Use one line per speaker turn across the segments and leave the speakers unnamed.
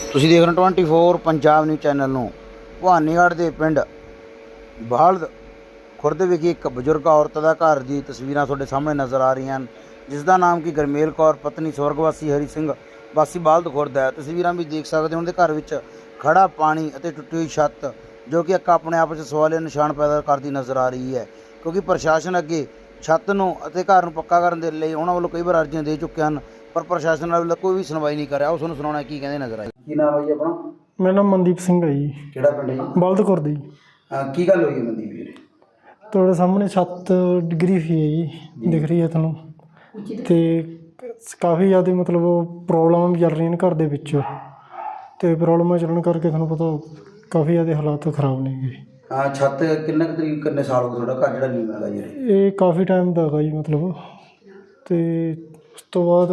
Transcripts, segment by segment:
ਤੁਸੀਂ ਦੇਖ ਰਹੇ ਹੋ 24 ਪੰਜਾਬ ਨਿਊਜ਼ ਚੈਨਲ ਨੂੰ। ਭਵਾਨੀਗੜ੍ਹ ਦੇ ਪਿੰਡ ਬਾਲਦ ਖੁਰਦ ਵਿਖੇ ਇੱਕ ਬਜ਼ੁਰਗ ਔਰਤ ਦਾ ਘਰ ਦੀ ਤਸਵੀਰਾਂ ਤੁਹਾਡੇ ਸਾਹਮਣੇ ਨਜ਼ਰ ਆ ਰਹੀਆਂ ਹਨ, ਜਿਸ ਦਾ ਨਾਮ ਕਿ ਗਰਮੇਲ ਕੌਰ ਪਤਨੀ ਸਵਰਗਵਾਸੀ ਹਰੀ ਸਿੰਘ ਵਾਸੀ ਬਾਲਦ ਖੁਰਦ ਹੈ। ਤਸਵੀਰਾਂ ਵੀ ਦੇਖ ਸਕਦੇ ਹੋ, ਉਹਨਾਂ ਦੇ ਘਰ ਵਿੱਚ ਖੜਾ ਪਾਣੀ ਅਤੇ ਟੁੱਟੀ ਹੋਈ ਛੱਤ, ਜੋ ਕਿ ਇੱਕ ਆਪਣੇ ਆਪ ਵਿੱਚ ਸਵਾਲੀਆ ਨਿਸ਼ਾਨ ਪੈਦਾ ਕਰਦੀ ਨਜ਼ਰ ਆ ਰਹੀ ਹੈ, ਕਿਉਂਕਿ ਪ੍ਰਸ਼ਾਸਨ ਅੱਗੇ ਛੱਤ ਨੂੰ ਅਤੇ ਘਰ ਨੂੰ ਪੱਕਾ ਕਰਨ ਦੇ ਲਈ ਉਹਨਾਂ ਵੱਲੋਂ ਕਈ ਵਾਰ ਅਰਜ਼ੀਆਂ ਦੇ ਚੁੱਕੇ ਹਨ, ਪਰ ਪ੍ਰਸ਼ਾਸਨ ਵੱਲੋਂ ਕੋਈ ਵੀ ਸੁਣਵਾਈ ਨਹੀਂ ਕਰ ਰਿਹਾ। ਉਸ ਨੂੰ ਸੁਣਾਉਣਾ ਕੀ ਕਹਿੰਦੇ ਨਜ਼ਰ ਆਏ। ਕੀ ਨਾਮ ਹੈ ਜੀ ਆਪਣਾ?
ਮੇਰਾ ਨਾਮ ਮਨਦੀਪ ਸਿੰਘ ਹੈ ਜੀ।
ਕਿਹੜਾ ਪਿੰਡ ਹੈ ਜੀ?
ਬਲਦ ਖੁਰਦ ਜੀ।
ਕੀ ਗੱਲ ਹੋਈ ਹੈ ਮਨਦੀਪ ਵੀਰੇ?
ਤੁਹਾਡੇ ਸਾਹਮਣੇ ਛੱਤ ਡਿੱਗੀ ਹੋਈ ਹੈ ਜੀ, ਦਿਖ ਰਹੀ ਹੈ ਤੁਹਾਨੂੰ, ਅਤੇ ਕਾਫੀ ਜ਼ਿਆਦਾ ਮਤਲਬ ਪ੍ਰੋਬਲਮਾਂ ਵੀ ਚੱਲ ਰਹੀਆਂ ਨੇ ਘਰ ਦੇ ਵਿੱਚ, ਅਤੇ ਪ੍ਰੋਬਲਮਾਂ ਚੱਲਣ ਕਰਕੇ ਤੁਹਾਨੂੰ ਪਤਾ ਕਾਫੀ ਜ਼ਿਆਦਾ ਹਾਲਾਤ ਖਰਾਬ ਨੇ ਜੀ।
ਛੱਤ ਕਿੰਨੇ ਸਾਲ ਹੋ ਗਏ ਤੁਹਾਡਾ ਘਰ ਜਿਹੜਾ ਨੀਵਾਂ ਹੈਗਾ ਜੀ?
ਇਹ ਕਾਫੀ ਟਾਈਮ ਦਾ ਹੈਗਾ ਜੀ ਮਤਲਬ, ਅਤੇ ਉਸ ਤੋਂ ਬਾਅਦ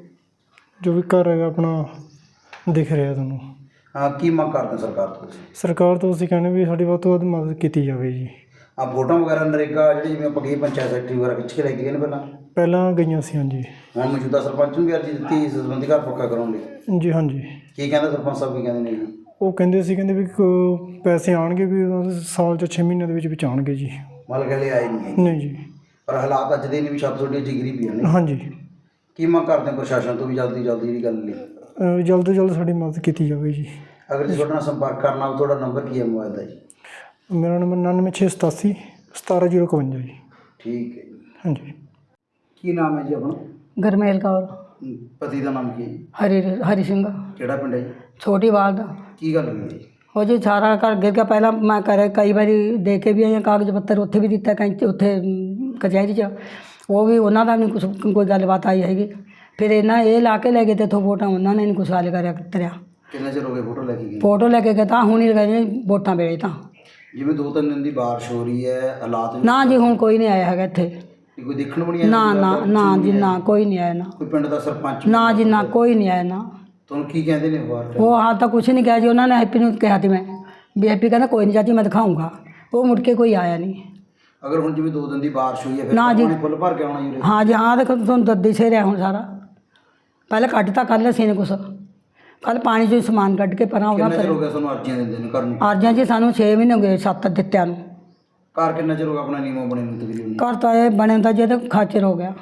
ਜੋ ਵੀ ਘਰ ਹੈਗਾ ਆਪਣਾ ਦਿਖ ਰਿਹਾ ਤੁਹਾਨੂੰ।
ਕੀ ਮੰਗ ਕਰਦੇ ਸਰਕਾਰ ਤੋਂ?
ਸਰਕਾਰ ਤੋਂ ਅਸੀਂ ਕਹਿੰਦੇ ਵੀ ਸਾਡੀ ਵੱਧ ਤੋਂ ਵੱਧ ਮਦਦ ਕੀਤੀ ਜਾਵੇ ਜੀ।
ਵੋਟਾਂ ਵਗੈਰਾ ਨਰੇਗਾ ਜਿਹੜੀ ਜਿਵੇਂ ਆਪਾਂ ਕਹੀ ਪੰਚਾਇਤ ਸੈਕਟਰੀ ਵਗੈਰਾ ਖਿੱਚ ਕੇ ਲੈ ਕੇ ਗਏ ਨੇ
ਪਹਿਲਾਂ ਗਈਆਂ ਸੀ। ਹਾਂਜੀ।
ਹੁਣ ਮੌਜੂਦਾ ਸਰਪੰਚ ਨੂੰ ਵੀ ਅਰਜ਼ੀ ਦਿੱਤੀ ਇਸ ਸੰਬੰਧੀ ਘਰ ਪੱਕਾ ਕਰਾਉਣ ਲਈ?
ਜੀ ਹਾਂਜੀ।
ਕੀ ਕਹਿੰਦੇ ਸਰਪੰਚ ਸਾਹਿਬ, ਕੀ ਕਹਿੰਦੇ ਨੇ ਜੀ?
ਉਹ ਕਹਿੰਦੇ ਵੀ ਪੈਸੇ ਆਉਣਗੇ ਵੀ ਸਾਲ 'ਚ 6 ਮਹੀਨਿਆਂ ਦੇ ਵਿੱਚ ਆਉਣਗੇ ਜੀ।
ਮਤਲਬ ਕਹਿੰਦੇ ਆਏ ਨਹੀਂ?
ਨਹੀਂ ਜੀ।
ਪਰ ਹਾਲਾਤ ਅੱਜ ਦੇ ਨੇ ਵੀ ਛੱਤ ਤੁਹਾਡੀ ਜਿਗਰੀ ਪਈ ਨੇ।
ਹਾਂਜੀ।
ਕੀ ਮੰਗ ਕਰਦੇ ਪ੍ਰਸ਼ਾਸਨ ਤੋਂ ਵੀ ਜਲਦੀ ਜਿਹੜੀ ਗੱਲ ਲਈ
ਜਲਦ ਤੋਂ ਜਲਦ ਸਾਡੀ ਮਦਦ ਕੀਤੀ ਜਾਵੇ ਜੀ।
ਅਗਰ ਤੁਸੀਂ ਤੁਹਾਡੇ ਨਾਲ ਸੰਪਰਕ ਕਰਨਾ ਹੋ, ਤੁਹਾਡਾ ਨੰਬਰ ਕੀ ਹੈ ਮੋਬਾਈਲ ਦਾ ਜੀ?
ਮੇਰਾ ਨੰਬਰ 99687 17051 ਜੀ।
ਠੀਕ ਹੈ ਜੀ।
ਹਾਂਜੀ।
ਕੀ ਨਾਮ ਹੈ ਜੀ ਆਪਣਾ?
ਗਰਮੇਲ ਕੌਰ।
ਪਤੀ ਦਾ ਨਾਮ ਕੀ ਹੈ ਜੀ?
ਹਰੀ ਸਿੰਘ।
ਕਿਹੜਾ ਪਿੰਡ ਹੈ ਜੀ?
ਛੋਟੀ ਬਾਲਦ।
ਕੀ ਗੱਲ ਹੋਈ ਜੀ?
ਉਹ ਜੀ ਸਾਰਾ ਘਰ ਗਿਰ ਗਿਆ। ਪਹਿਲਾਂ ਮੈਂ ਕਈ ਵਾਰੀ ਦੇ ਕੇ ਵੀ ਆਈ ਹਾਂ ਕਾਗਜ਼ ਪੱਤਰ, ਉੱਥੇ ਵੀ ਦਿੱਤਾ ਉੱਥੇ ਕਚਹਿਰੀ 'ਚ, ਉਹ ਵੀ ਉਹਨਾਂ ਦਾ ਨਹੀਂ ਕੋਈ ਗੱਲਬਾਤ ਆਈ ਹੈਗੀ। ਫਿਰ ਇਹ ਲਾ ਕੇ ਲੈ ਗਏ ਤੇ ਇੱਥੋਂ ਵੋਟਾਂ ਉਹਨਾਂ ਨੇ ਨਹੀਂ ਕੁਛ ਹੱਲ ਕਰਿਆ।
ਕਿੰਨੇ ਚਿਰ ਹੋ ਗਏ ਫੋਟੋ ਲੈ ਕੇ ਗਏ?
ਫੋਟੋ ਲੈ ਕੇ ਗਏ ਤਾਂ ਹੁਣ ਹੀ ਗਏ ਵੋਟਾਂ ਵੇਲੇ ਤਾਂ।
ਜਿਵੇਂ 2-3 ਦਿਨ ਦੀ ਬਾਰਿਸ਼ ਹੋ ਰਹੀ ਹੈ, ਹਾਲਾਤ
ਨਾ ਜੀ ਹੁਣ ਕੋਈ ਨਹੀਂ ਆਇਆ ਹੈਗਾ ਇੱਥੇ।
ਕੋਈ ਦੇਖਣ ਨੂੰ ਨਹੀਂ ਆਇਆ?
ਨਾ ਜੀ ਨਾ, ਕੋਈ ਨਹੀਂ ਆਇਆ। ਨਾ
ਕੋਈ ਪਿੰਡ ਦਾ ਸਰਪੰਚ?
ਨਾ ਜੀ ਨਾ, ਕੋਈ ਨਹੀਂ ਆਇਆ। ਨਾ
ਤੁਹਾਨੂੰ ਕੀ ਕਹਿੰਦੇ ਨੇ ਬਾਹਰ?
ਉਹ ਹਾਲ ਤਾਂ ਕੁਛ ਨਹੀਂ ਕਿਹਾ ਜੀ। ਉਹਨਾਂ ਨੇ ਹੈਪੀ ਨੂੰ ਕਿਹਾ ਸੀ ਮੈਂ ਵੀ ਹੈਪੀ ਕਹਿੰਦਾ ਕੋਈ ਨਹੀਂ ਚਾਚੀ ਮੈਂ ਦਿਖਾਊਂਗਾ। ਉਹ ਮੁੜ ਕੇ ਕੋਈ ਆਇਆ ਨਹੀਂ।
ਅਗਰ ਹੁਣ ਜਿਵੇਂ 2 ਦਿਨ ਦੀ ਬਾਰਿਸ਼ ਹੋਈ ਹੈ ਫਿਰ
ਨਾ ਜੀ।
ਪਾਣੀ ਫੁੱਲ ਭਰ ਕੇ ਆਉਣਾ ਜੀ?
ਹਾਂ ਜੀ ਹਾਂ, ਦੇਖੋ ਤੁਹਾਨੂੰ ਦੱਦੀ ਸੇ ਰਿਹਾ ਹੁਣ ਸਾਰਾ। ਪਹਿਲਾਂ ਕੱਢਤਾ ਕੱਲ੍ਹ ਅਸੀਂ ਨੇ ਕੁਛ, ਕੱਲ੍ਹ ਪਾਣੀ 'ਚੋਂ ਸਮਾਨ ਕੱਢ ਕੇ ਪਰਾਂ ਉਹਦਾ।
ਕਿੰਨਾ ਚਿਰ ਹੋ ਗਿਆ ਤੁਹਾਨੂੰ ਅਰਜ਼ੀਆਂ ਦਿੰਦੇ ਨੇ ਘਰ ਨੂੰ?
ਅਰਜ਼ੀਆਂ ਜੀ ਸਾਨੂੰ 6 ਮਹੀਨੇ ਹੋ ਗਏ ਛੱਤ ਦਿੱਤਿਆਂ ਨੂੰ।
ਘਰ ਕਿੰਨਾ ਚਿਰ ਹੋ ਗਿਆ ਆਪਣਾ ਨੀਵਾਂ ਬਣੇ ਨੂੰ ਤਕਰੀਬਨ?
ਘਰ ਤਾਂ ਇਹ ਬਣੇ ਤਾਂ ਜੇ ਤਾਂ ਖਾਚਰ ਹੋ ਗਿਆ।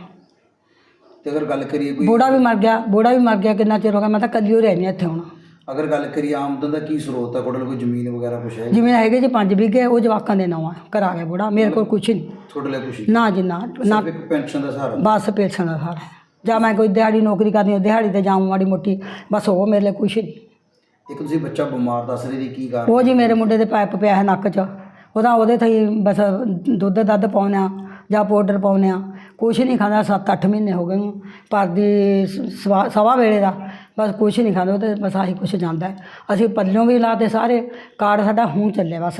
ਤੇ ਅਗਰ ਗੱਲ ਕਰੀਏ ਕੋਈ
ਬੋੜਾ ਵੀ ਮਰ ਗਿਆ। ਕਿੰਨਾ ਚਿਰ ਹੋ ਗਿਆ। ਮੈਂ ਤਾਂ ਕੱਲੀ ਹੋ ਰਹਿੰਦੀ ਇੱਥੇ ਹੁਣ।
ਅਗਰ ਗੱਲ ਕਰੀਏ ਆਮਦਨ ਦਾ ਕੀ ਸਰੋਤ ਹੈ ਤੁਹਾਡੇ ਕੋਲ? ਕੋਈ ਜ਼ਮੀਨ ਵਗੈਰਾ ਕੁਛ ਹੈ?
ਜਿਵੇਂ ਹੈਗੇ ਜੀ 5 ਵਿਗੇ, ਉਹ ਜਵਾਕਾਂ ਦੇ ਨਾਂ ਆ। ਕਰਾ ਗਿਆ ਬੋੜਾ, ਮੇਰੇ ਕੋਲ ਕੁਛ ਨਹੀਂ।
ਤੁਹਾਡੇ ਲਈ ਕੁਛ
ਨਾ ਜੀ ਨਾ।
ਸਿਰਫ ਇੱਕ ਪੈਨਸ਼ਨ ਦਾ ਸਹਾਰਾ?
ਬਸ ਪੈਨਸ਼ਨ ਦਾ ਸਹਾਰਾ। ਜਾਂ ਮੈਂ ਕੋਈ ਦਿਹਾੜੀ ਨੌਕਰੀ ਕਰਨੀ, ਦਿਹਾੜੀ ਤੇ ਜਾਊਂ ਮਾੜੀ ਮੋਟੀ, ਬਸ ਉਹ ਮੇਰੇ ਲਈ ਕੁਛ ਨਹੀਂ।
ਇੱਕ ਤੁਸੀਂ ਬੱਚਾ ਬਿਮਾਰ ਦੱਸ ਰਹੇ ਜੀ, ਕੀ ਕਾਰਨ?
ਉਹ ਜੀ ਮੇਰੇ ਮੁੰਡੇ ਦੇ ਪਾਈਪ ਪਿਆ ਹੈ ਨੱਕ 'ਚ, ਉਹਦੇ ਥਈ ਬਸ ਦੁੱਧ ਪਾਉਂਦੇ ਹਾਂ ਜਾਂ ਪਾਊਡਰ ਪਾਉਂਦੇ ਹਾਂ। ਕੁਛ ਨਹੀਂ ਖਾਂਦਾ। 7-8 ਮਹੀਨੇ ਹੋ ਗਏ ਨੂੰ। ਪਰ ਦੀ ਸਵਾ ਵੇਲੇ ਦਾ ਬਸ ਕੁਛ ਨਹੀਂ ਖਾਂਦਾ। ਉਹਦੇ ਬਸ ਆਹੀ ਕੁਛ ਜਾਂਦਾ। ਅਸੀਂ ਪੱਲਿਓਂ ਵੀ ਲਾਤੇ ਸਾਰੇ। ਕਾਰਡ ਸਾਡਾ ਹੁਣ ਚੱਲਿਆ ਬਸ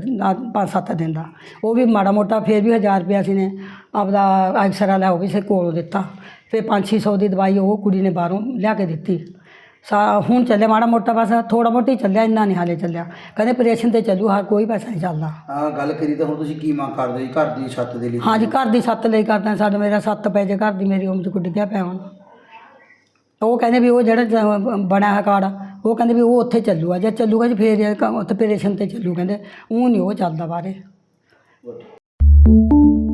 5-7 ਦਿਨ ਦਾ। ਉਹ ਵੀ ਮਾੜਾ ਮੋਟਾ, ਫਿਰ ਵੀ 1000 ਰੁਪਇਆ ਅਸੀਂ ਨੇ ਆਪਦਾ ਐਕਸਰਾ ਲਿਆ, ਉਹ ਵੀ ਸੇ ਕੋਲੋਂ ਦਿੱਤਾ। ਫਿਰ 500-600 ਦੀ ਦਵਾਈ ਉਹ ਕੁੜੀ ਨੇ ਬਾਹਰੋਂ ਲਿਆ ਕੇ ਦਿੱਤੀ। ਹੁਣ ਚੱਲਿਆ ਮਾੜਾ ਮੋਟਾ, ਬਸ ਥੋੜ੍ਹਾ ਮੋਟਾ ਹੀ ਚੱਲਿਆ, ਇੰਨਾ ਨਹੀਂ ਹਾਲੇ ਚੱਲਿਆ। ਕਹਿੰਦੇ ਆਪਰੇਸ਼ਨ 'ਤੇ ਚੱਲੂ, ਕੋਈ ਪੈਸਾ ਨਹੀਂ ਚੱਲਦਾ।
ਗੱਲ ਕਰੀ ਤਾਂ ਹੁਣ ਤੁਸੀਂ ਕੀ ਮੰਗ ਕਰਦੇ ਜੀ ਘਰ ਦੀ ਛੱਤ ਦੇ ਲਈ?
ਹਾਂ ਜੀ, ਘਰ ਦੀ ਛੱਤ ਲਈ ਕਰਦਾ। ਸਾਡਾ ਮੇਰਾ ਛੱਤ ਪੈ ਜੇ ਘਰ ਦੀ, ਮੇਰੀ ਉਮਰ 'ਚ ਕੁੱਟ ਗਿਆ ਪਿਆ ਹੁਣ। ਉਹ ਕਹਿੰਦੇ ਵੀ ਉਹ ਜਿਹੜਾ ਬਣਿਆ ਹੈ ਕਾਰਡ, ਉਹ ਕਹਿੰਦੇ ਵੀ ਉਹ ਉੱਥੇ ਚੱਲੂਗਾ। ਜੇ ਚੱਲੂਗਾ ਜੀ ਫਿਰ ਉੱਥੇ ਆਪਰੇਸ਼ਨ 'ਤੇ ਚੱਲੂ। ਕਹਿੰਦੇ ਉਹ ਨਹੀਂ ਉਹ ਚੱਲਦਾ ਬਾਹਰੇ।